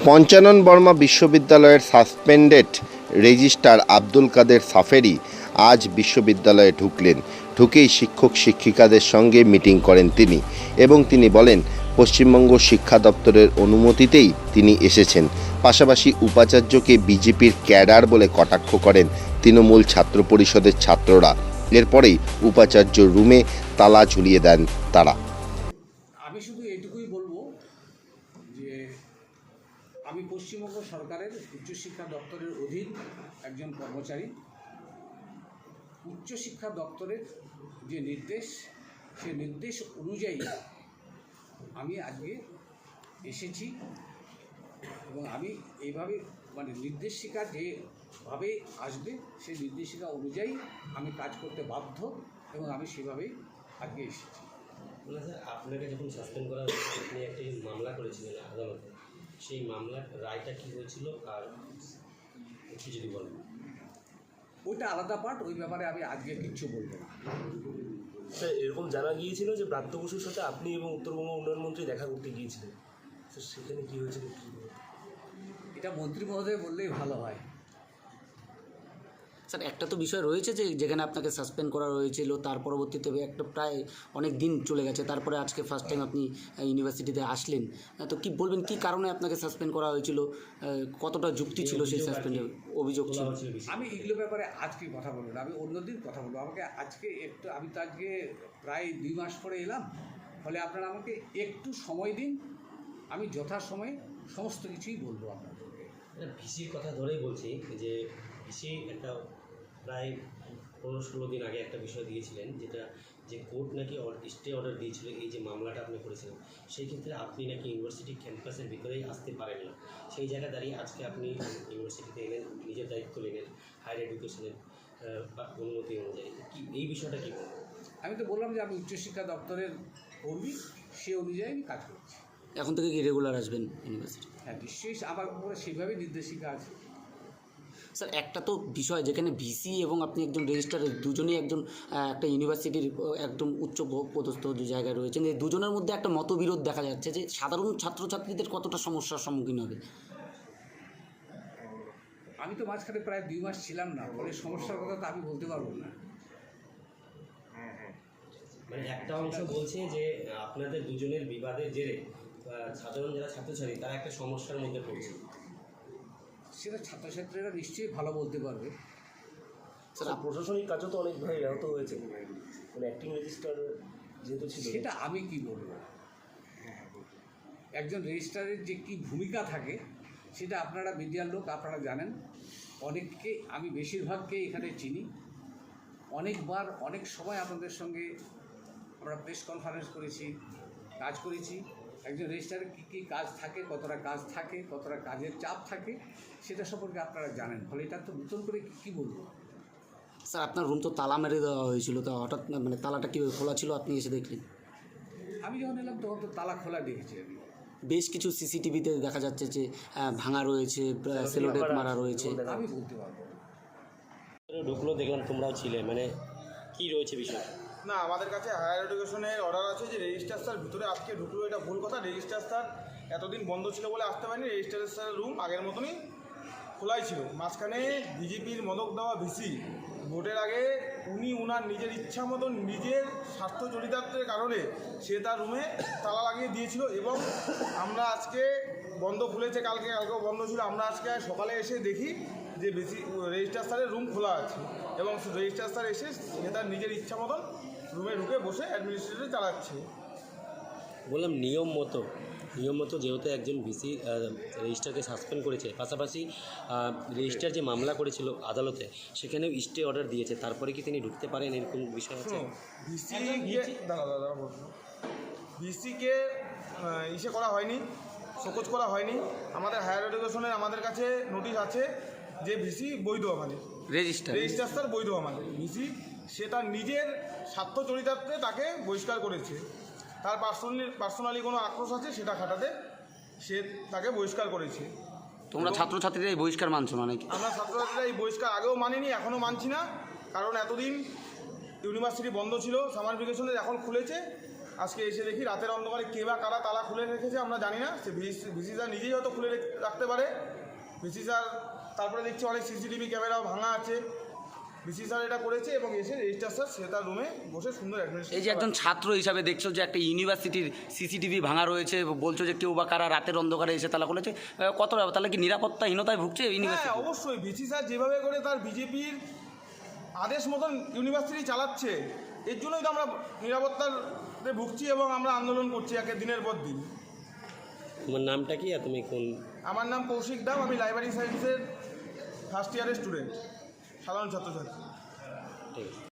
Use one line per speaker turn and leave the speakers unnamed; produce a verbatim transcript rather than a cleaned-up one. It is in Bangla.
পঞ্চানন বর্মা বিশ্ববিদ্যালয়ের সাসপেন্ডেড রেজিস্ট্রার আব্দুল কাদের সাফেরি আজ বিশ্ববিদ্যালয়ে ঢুকলেন। ঢুকেই শিক্ষক শিক্ষিকাদের সঙ্গে মিটিং করেন তিনি এবং তিনি বলেন পশ্চিমবঙ্গ শিক্ষা দপ্তরের অনুমতিতেই তিনি এসেছেন। পাশাপাশি উপাচার্যকে বিজেপির ক্যাডার বলে কটাক্ষ করেন তৃণমূল ছাত্র পরিষদের ছাত্ররা। এরপরেই উপাচার্য রুমে তালা ঝুলিয়ে দেন তারা।
আমি শুধু এইটুকুই বলবো যে আমি পশ্চিমবঙ্গ সরকারের উচ্চশিক্ষা দপ্তরের অধীন একজন কর্মচারী। উচ্চশিক্ষা দপ্তরের যে নির্দেশ, সে নির্দেশ অনুযায়ী আমি আজকে এসেছি এবং আমি এইভাবে মানে নির্দেশিকা যেভাবে আসবে সেই নির্দেশিকা অনুযায়ী আমি কাজ করতে বাধ্য এবং আমি সেভাবেই আজকে এসেছি।
না স্যার, আপনাকে যখন সাসপেন্ড করা হয়েছে আপনি একটি মামলা করেছিলেন আদালতে, সেই মামলার রায়টা কী হয়েছিল আর একটু যদি বলেন।
ওইটা আলাদা পার্ট, ওই ব্যাপারে আমি আজকে কিচ্ছু বলবো না।
স্যার, এরকম জানা গিয়েছিল যে ব্রাত্য বসুর সাথে আপনি এবং উত্তরবঙ্গ উন্নয়ন মন্ত্রী দেখা করতে গিয়েছিলেন, স্যার সেখানে কী হয়েছিল?
এটা মন্ত্রী মহোদয় বললেই ভালো হয়।
স্যার, একটা তো বিষয় রয়েছে যে যেখানে আপনাকে সাসপেন্ড করা হয়েছিল, তার পরবর্তীতে একটা প্রায় অনেক দিন চলে গেছে, তারপরে আজকে ফার্স্ট টাইম আপনি ইউনিভার্সিটিতে আসলেন। তো কি বলবেন, কি কারণে আপনাকে সাসপেন্ড করা হয়েছিল, কতটা যুক্তি ছিল সেই সাসপেন্ডের অভিযোগ ছিল?
আমি এগুলো ব্যাপারে আজকে কথা বলবো না, আমি অন্যদিন কথা বলবো। আমাকে আজকে একটু, আমি তো আজকে প্রায় দুই মাস পরে এলাম, ফলে আপনারা আমাকে একটু সময় দিন, আমি যথাসময়ে সমস্ত কিছুই বলবো আপনাদেরকে।
ভিসির কথা ধরেই বলছি যে ভিসি একটা প্রায় পনেরো ষোলো দিন আগে একটা বিষয় দিয়েছিলেন, যেটা যে কোর্ট নাকি স্টে অর্ডার দিয়েছিল এই যে মামলাটা আপনি করেছিলেন, সেই ক্ষেত্রে আপনি নাকি ইউনিভার্সিটি ক্যাম্পাসের ভিতরেই আসতে পারেন না। সেই জায়গায় দাঁড়িয়ে আজকে আপনি ইউনিভার্সিটিতে এলেন, নিজের দায়িত্ব নিলেন হায়ার এডুকেশনের অনুমতি অনুযায়ী। কি এই বিষয়টা কী বলবেন?
আমি তো বললাম যে আমি উচ্চশিক্ষা দপ্তরের কর্মী, সে অনুযায়ী আমি কাজ করছি।
এখন থেকে কি রেগুলার আসবেন ইউনিভার্সিটি?
হ্যাঁ, নিশ্চয়ই আমার উপরে সেইভাবেই নির্দেশিকা আছে।
স্যার, একটা তো বিষয় যেখানে ভিসি এবং আপনি একজন রেজিস্ট্রার, দুজনেই একজন একটা ইউনিভার্সিটির একদম উচ্চ পদস্থ যে জায়গায় রয়েছেন, এই দুজনের মধ্যে একটা মতবিরোধ দেখা যাচ্ছে যে সাধারণ ছাত্রছাত্রীদের কতটা সমস্যার সম্মুখীন হবে।
আমি তো মাঝখানে প্রায় দুই মাস ছিলাম না, ফলে সমস্যার কথা তো আমি বলতে পারবো না।
মানে একটা অংশ বলছে যে আপনাদের দুজনের বিবাদের জেরে সাধারণ যারা ছাত্রছাত্রী তারা একটা সমস্যার মধ্যে পড়ছে।
সেটা ছাত্রছাত্রীরা নিশ্চয়ই ভালো বলতে পারবে।
স্যার, প্রশাসনিক কাজও তো অনেকভাবে ব্যাহত হয়েছে, মানে অ্যাক্টিং রেজিস্ট্রার যেহেতু ছিল।
সেটা আমি কি বলবো, একজন রেজিস্ট্রারের যে কী ভূমিকা থাকে সেটা আপনারা মিডিয়ার লোক আপনারা জানেন। অনেককে, আমি বেশিরভাগকে এখানে চিনি, অনেকবার অনেক সময় আপনাদের সঙ্গে আমরা প্রেস কনফারেন্স করেছি, কাজ করেছি। একজন রেজিস্ট্রারের কী কী কাজ থাকে, কতটা কাজ থাকে, কতটা কাজের চাপ থাকে, সেটা সম্পর্কে আপনারা জানেন। ফলে এটা তো নতুন করে কী বলবো।
স্যার, আপনার রুম তো তালা মেরে দেওয়া হয়েছিল, তো হঠাৎ মানে তালাটা কীভাবে খোলা ছিল আপনি এসে দেখলেন?
আমি যখন এলাম তখন তো তালা খোলা দেখেছি আমি।
বেশ কিছু সিসিটিভিতে দেখা যাচ্ছে যে ভাঙা রয়েছে, সেলোটেপ মারা রয়েছে।
আমি বলতে পারবো না।
ঢুকলো, দেখলাম তোমরাও ছিলে, মানে কি রয়েছে বিষয়?
না, আমাদের কাছে হায়ার এডুকেশনের অর্ডার আছে যে রেজিস্ট্রার স্যার ভিতরে আজকে ঢুকলো, এটা ভুল কথা। রেজিস্ট্রার স্যার এতদিন বন্ধ ছিল বলে আসতে পারেনি। রেজিস্ট্রার স্যারের রুম আগের মতনই খোলাই ছিল। মাঝখানে বিজেপির মদক দেওয়া ভিসি ভোটের আগে উনি উনার নিজের ইচ্ছা মতন নিজের স্বার্থ চরিতার্থের কারণে সে তার রুমে তালা লাগিয়ে দিয়েছিল এবং আমরা আজকে বন্ধ খুলেছে, কালকে কালকেও বন্ধ ছিল। আমরা আজকে সকালে এসে দেখি যে বেশি রেজিস্ট্রার স্যারের রুম খোলা আছে এবং রেজিস্ট্রার স্যার এসে সে তার নিজের ইচ্ছা মতন রুমে ঢুকে বসে অ্যাডমিনিস্ট্রেটর চালাচ্ছে।
বললাম নিয়ম মতো নিয়ম মতো যেহেতু একজন ভিসি রেজিস্ট্রারকে সাসপেন্ড করেছে, পাশাপাশি রেজিস্ট্রার যে মামলা করেছিল আদালতে সেখানেও স্টে অর্ডার দিয়েছে, তারপরে কি তিনি ঢুকতে পারেন এরকম বিষয় আছে?
ভিসিকে দাদা দাদা বলুন, ভিসিকে ইসে করা হয়নি, শোকজ করা হয়নি। আমাদের হায়ার এডুকেশনের আমাদের কাছে নোটিশ আছে যে ভিসি বৈধ, আমাদের
রেজিস্টার
রেজিস্ট্রার স্যার বৈধ। আমাদের ভিসি সে তার নিজের স্বার্থ চরিতার্থে তাকে বহিষ্কার করেছে। তার পার্সোনালি পার্সোনালি কোনো আক্রোশ আছে সেটা খাটাতে সে তাকে বহিষ্কার করেছে।
তোমরা ছাত্রছাত্রীরা এই বহিষ্কার মানছো না নাকি?
আমরা ছাত্রছাত্রীরা এই বহিষ্কার আগেও মানিনি, এখনও মানছি না। কারণ এতদিন ইউনিভার্সিটি বন্ধ ছিল, সামার ভ্যাকেশনের এখন খুলেছে, আজকে এসে দেখি রাতের অন্ধকারে কে বা কারা তালা খুলে রেখেছে আমরা জানি না, সে ভিসি স্যার নিজেই হয়তো খুলে রেখ- রাখতে পারে। ভিসি স্যার তারপরে দেখছি অনেক সিসিটিভি ক্যামেরাও ভাঙা আছে। ভিসি স্যার এটা করেছে এবং এসে রেজিস্ট্রার স্যার সে তার রুমে বসে সুন্দর
এই যে একজন ছাত্র হিসাবে দেখছো যে একটা ইউনিভার্সিটির সিসিটিভি ভাঙা রয়েছে, বলছো যে কেউ বা কারা রাতের অন্ধকারে এসে তালা খুলেছে, আহ, কত তাহলে কি নিরাপত্তাহীনতায় ভুগছে
হ্যাঁ
ইউনিভার্সিটি?
অবশ্যই ভিসি স্যার যেভাবে করে তার বিজেপির আদেশ মতন ইউনিভার্সিটি চালাচ্ছে, এর জন্যই তো আমরা নিরাপত্তাতে ভুগছি এবং আমরা আন্দোলন করছি একে দিনের পর দিন।
তোমার নামটা কি আর তুমি কোন?
আমার নাম কৌশিক দাম, আমি লাইব্রেরি সায়েন্সের ফার্স্ট ইয়ারের স্টুডেন্ট, সাধারণ ছাত্রছাত্রী।
ঠিক আছে।